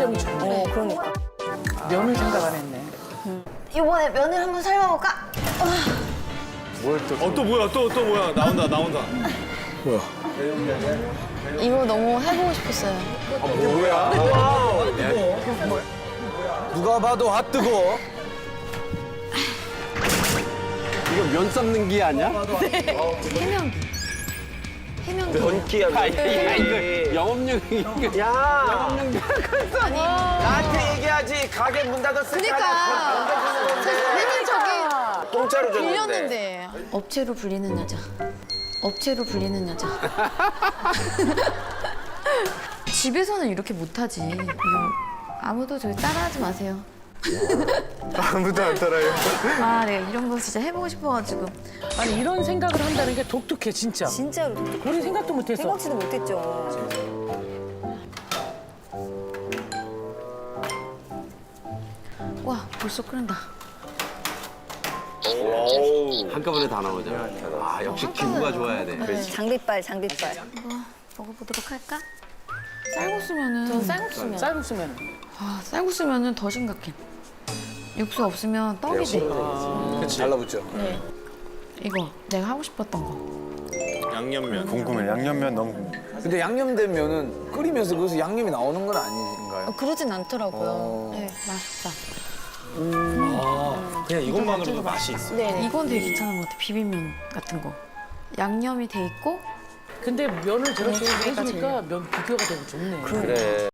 시점이 좋네. 그러니까. 면을 생각 안 했네. 이번에 면을 한번 삶아볼까? 또 뭐야 또 뭐야 나온다. 뭐야? 이거 너무 해보고 싶었어요. 누가 봐도 핫뜨거. 이거 면 삶는 기 아니야? 해명기. 해명기. 야, 이거 영업용이. 야, 아니, 나한테 얘기하지. 가게 문 닫았으니까. 그러니까. 괜히 저기 공짜로 줬는데. 빌렸는데. 업체로 불리는 여자. 업체로 불리는 여자. 집에서는 이렇게 못하지. 이거 아무도 저기 따라하지 마세요. 아무도 안 따라요. 아, 내가 이런 거 진짜 해보고 싶어가지고. 아니 이런 생각을 한다는 게 독특해 진짜. 진짜로. 우리 생각도 못했어. 생각지도 못했죠. 와, 벌써 끓는다. 한꺼번에 다 나오잖아. 아, 역시 기구가 좋아야 돼. 네. 장비빨, 장비빨. 먹어보도록 할까? 쌀국수면은. 전 쌀국수면. 쌀국수면. 아, 쌀국수면은 더 심각해. 육수 없으면 떡이 돼. 달라붙죠. 네. 이거 내가 하고 싶었던 거. 양념면. 궁금해. 양념면 너무 궁금해. 근데 양념된 면은 끓이면서 거기서 양념이 나오는 건 아닌가요? 그러진 않더라고요. 네, 맛있다. 그냥 이것만으로도 맛이 있어. 네, 이건 되게 괜찮은 것 같아. 비빔면 같은 거. 양념이 돼 있고. 근데 면을 저렇게 해주니까 면 비교가 되고 좋네. 그래.